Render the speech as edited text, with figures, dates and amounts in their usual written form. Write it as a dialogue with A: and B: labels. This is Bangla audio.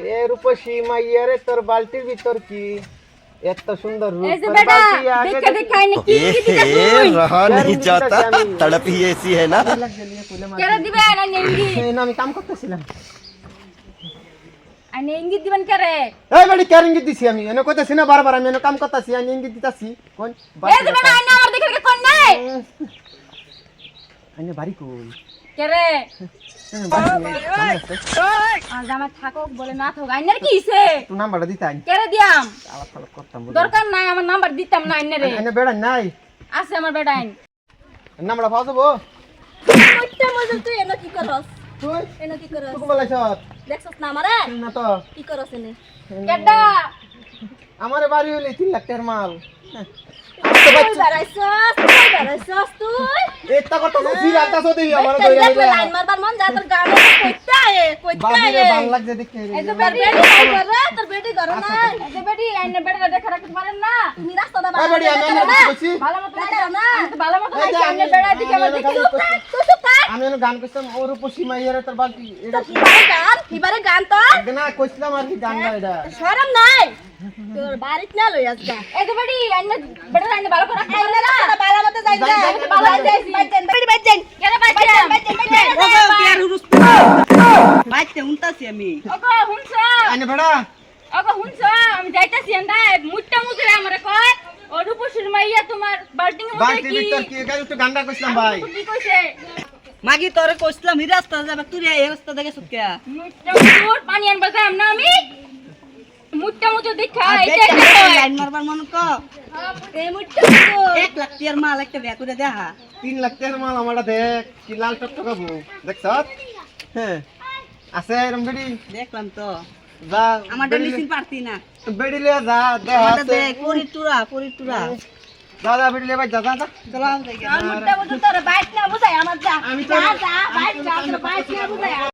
A: এ রূপসী মাইয়ারে তোর বালতির ভিতর কি এত সুন্দর রূপ
B: এই যে বেটা দেখে দেখে আইনে কি দিতা তুই
C: रहा नहीं जाता तड़प ही ऐसी है ना
B: কেরে দিবে না নেঙ্গি
A: এই না আমি কাম করতেছিলাম
B: আইনে ইঙ্গিত দিবেন কেরে
A: এই বাড়ি কেন ইঙ্গিত দিছি আমি এনে কইতাছি না বারবার আমি এনে কাম করতেছি আমি ইঙ্গিত দিতাছি কোন
B: এই যে বেটা আইনে আমার দেখে দেখে কোন নাই
A: আইনে বাড়ি কই
B: কেরে আজ আমার থাকক বলে না থাক আইনের কি হইছে
A: তুই নাম্বারটা দিতাই
B: কেরে দিয়াম
A: আলাপ ফালাপ করতাম
B: দরকার নাই আমার নাম্বার দিতাম না আইনে রে
A: এনে বেড়া নাই
B: আছে আমার বেটা আইন
A: নাম্বারটা পাওয়া যাবো
D: কইতে মজা তুই এনে কি করস
A: তুই
D: এনে কি করস
A: তুই বলাইছ
D: দেখছস না আমারে
A: না তো
D: কি করস এনে
B: কেডা
A: আমারে বাড়ি হইলে 3 লাখ টাকার মাল
D: তুই বেড়াইছস তুই
A: এটা কথা সত্যি রাখতাছ দেই আমার
D: তুই
A: দইরা দিলা
D: লাইন মারবার মন যা তোর গানে কইতে
A: বাড়িরে ভালো লাগছে দেখে
B: এই তো
D: তোর
B: বেটি
D: বেটি নাই করে তোর বেটি ঘরে নাই
B: এই তো বেটি আইনে বেটা দেখে রাখতে পারেন না
D: তুমি রাস্তা দা
A: এই বাড়ি আমি এনে কইছি
B: ভালো মতো
D: দেখো না।
B: আমি তো ভালো মতো
A: এই যে
B: আইনে বেড়া দিকে আমার দেখি
D: তুই চুপ কর
A: আমি এনে গান কইতাম ওর উপসী মাইয়ারে তোর বালতি এটা
D: কিবারে গান তো
A: না কইছিলাম আর কি গান না এটা
D: শরম নাই তোর বাড়িত না লই আসবা
B: এই তো বেটি আইনে বেটা আইনে ভালো করে
D: এই না রাস্তা বালা মতে যাই যা
B: ভালো যাই
D: বাইতেন বাইতেন
B: কেরে বাইতাম
E: বাইতে উনতাছি আমি
B: ওগো হুনছ
A: আইনে বেড়া
B: ওগো হুনছ আমি যাইতাছি এন্ডা মুট্টা মুজরে আমারে কয় ও রূপসীর মাইয়া তোমার বাল্টিং এর মধ্যে
A: বালতির
B: কি
A: ভিতর কি গাড়ি একটু গানটা কইছিলাম ভাই
B: কি কইছে
E: মাগি তোরে কইছিলাম হি রাস্তা যাবে তুই এই রাস্তা দেখে সুতকে
B: মুট্টা মুজুর পানি আনবা যাম না আমি মুট্টা মুজুর দেখা এটা
E: লাইন মারবার মন ক
D: এই মুট্টা
E: 1 লাখ টিয়ার মাল একটা ব্যাগ করে দেখা
A: 3 লাখ টাকার মাল আমারটা দেখ কি লাল টকটকাবো দেখছ হ্যাঁ আছে এরম বেড়ি
E: দেখলাম তো
A: যা
E: আমার মেশিন পারতি না
A: বেড়ি লিয়া যা দেখ
E: আমারটা
A: আছে
E: দেখ পরিটুরা
A: যা যা বেড়ি লিয়া ভাই যা যা যা
E: চলো আমি যাই
D: মুট্টা মুট্টা তোর বাইক না বুঝাই আমার যা
A: আমি
D: যা
A: তো-
D: যা বাইক যা তোর বাইক না বুঝাই